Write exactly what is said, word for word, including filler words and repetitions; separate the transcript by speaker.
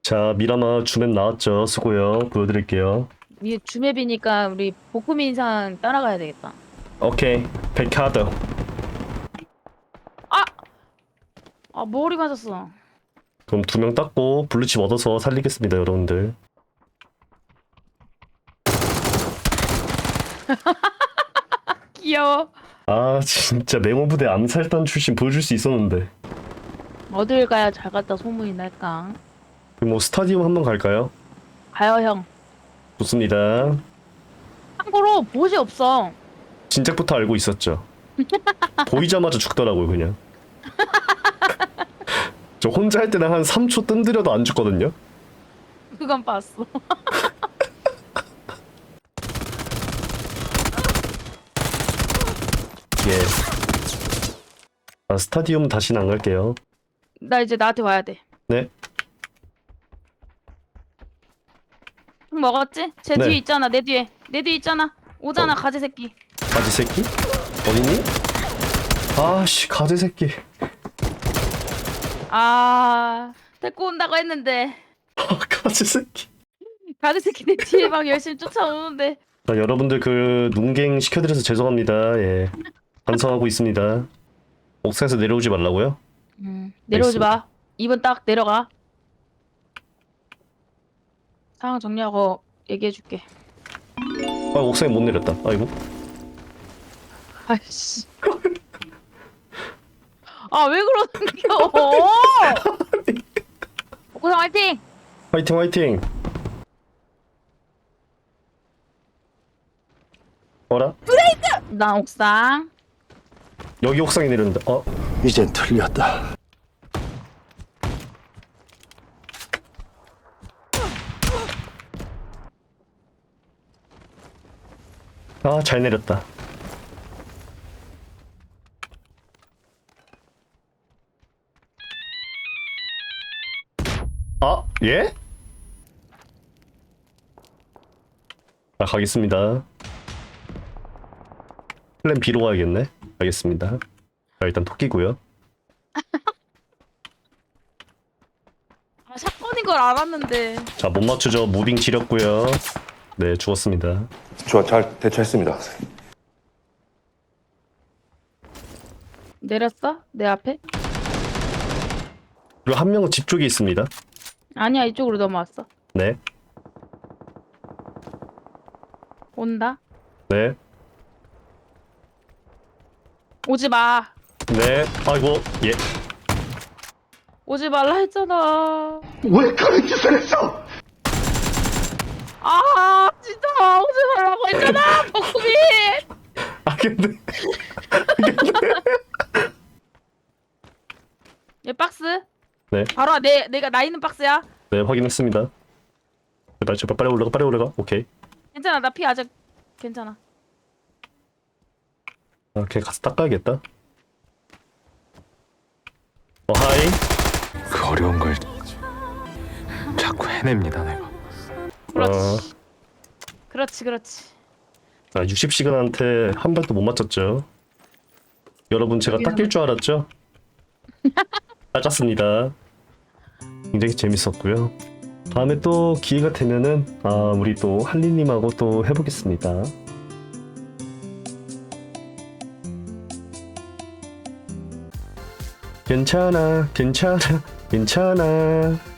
Speaker 1: 자, 미라마 주맵 나왔죠? 수고요. 보여드릴게요.
Speaker 2: 이게 주맵이니까 우리 복음인 인상 따라가야 되겠다.
Speaker 1: 오케이. 백카드.
Speaker 2: 아! 아 머리 맞았어.
Speaker 1: 그럼 두 명 땄고 블루칩 얻어서 살리겠습니다, 여러분들.
Speaker 2: 귀여워.
Speaker 1: 아, 진짜 맹호부대 암살단 출신 보여줄 수 있었는데.
Speaker 2: 어딜 가야 잘 갔다 소문이 날까?
Speaker 1: 그럼 뭐 스타디움 한번 갈까요?
Speaker 2: 가요 형.
Speaker 1: 좋습니다.
Speaker 2: 참고로 보시 없어.
Speaker 1: 진작부터 알고 있었죠. 보이자마자 죽더라고요, 그냥. 저 혼자 할 때는 한 삼 초 뜸들여도 안 죽거든요.
Speaker 2: 그건 봤어.
Speaker 1: 예. 아, 스타디움 다시는 안 갈게요.
Speaker 2: 나 이제 나한테 와야 돼.
Speaker 1: 네.
Speaker 2: 형 먹었지? 제
Speaker 1: 네.
Speaker 2: 뒤에 있잖아. 내 뒤에. 내 뒤에 있잖아. 오잖아
Speaker 1: 어.
Speaker 2: 가지 새끼.
Speaker 1: 가지 새끼? 어딨니? 아씨, 가지 새끼.
Speaker 2: 아 데리고 온다고 했는데
Speaker 1: 아, 가지 새끼.
Speaker 2: 가지 새끼 내 뒤에 막 열심히 쫓아오는데.
Speaker 1: 자, 여러분들 그 눈갱 시켜드려서 죄송합니다. 예. 반성하고 있습니다. 옥상에서 내려오지 말라고요?
Speaker 2: 음, 내려오지 마. 이번 딱 내려가. 상황 정리하고 얘기해줄게.
Speaker 1: 아, 옥상에 못 내렸다. 아이고.
Speaker 2: 아이씨. 아 왜 그러는겨? 고상 화이팅!
Speaker 1: 화이팅 화이팅. 어라?
Speaker 2: 나 옥상.
Speaker 1: 여기 옥상에 내렸는데. 어?
Speaker 3: 이젠 틀렸다.
Speaker 1: 아, 잘 내렸다. 아, 예? 아, 가겠습니다. 플랜 B로 가야겠네. 알겠습니다. 자, 일단 토끼고요.
Speaker 2: 아 사건인 걸 알았는데.
Speaker 1: 자, 못 맞추죠. 무빙 지렸고요. 네, 죽었습니다.
Speaker 3: 좋아, 잘 대처했습니다.
Speaker 2: 내렸어? 내 앞에?
Speaker 1: 그리고 한 명은 집 쪽에 있습니다.
Speaker 2: 아니야 이쪽으로 넘어왔어.
Speaker 1: 네,
Speaker 2: 온다.
Speaker 1: 네,
Speaker 2: 오지 마.
Speaker 1: 네. 아이고, 예.
Speaker 2: 오지 말라 했잖아.
Speaker 3: 왜 그런 짓을 했어?
Speaker 2: 아 진짜 오지 말라고 했잖아. 복구비.
Speaker 1: 아, 근데.
Speaker 2: 얘 박스.
Speaker 1: 네,
Speaker 2: 바로 내 내가 나 있는 박스야.
Speaker 1: 네, 확인했습니다. 제발, 제발, 빨리 올라가, 빨리 올라가. 오케이.
Speaker 2: 괜찮아 나 피 아직 괜찮아.
Speaker 1: 아, 걔 가서 닦아야겠다. 어, 하이.
Speaker 4: 그 어려운 걸 자꾸 해냅니다 내가.
Speaker 2: 그렇지.
Speaker 1: 어,
Speaker 2: 그렇지 그렇지.
Speaker 1: 아, 육십 시간한테 한 발도 못 맞췄죠. 여러분, 제가 닦일 줄 알았죠? 닦았습니다. 굉장히 재밌었고요. 다음에 또 기회가 되면은 아, 우리 또 할리님하고 또 해보겠습니다. 괜찮아, 괜찮아, 괜찮아.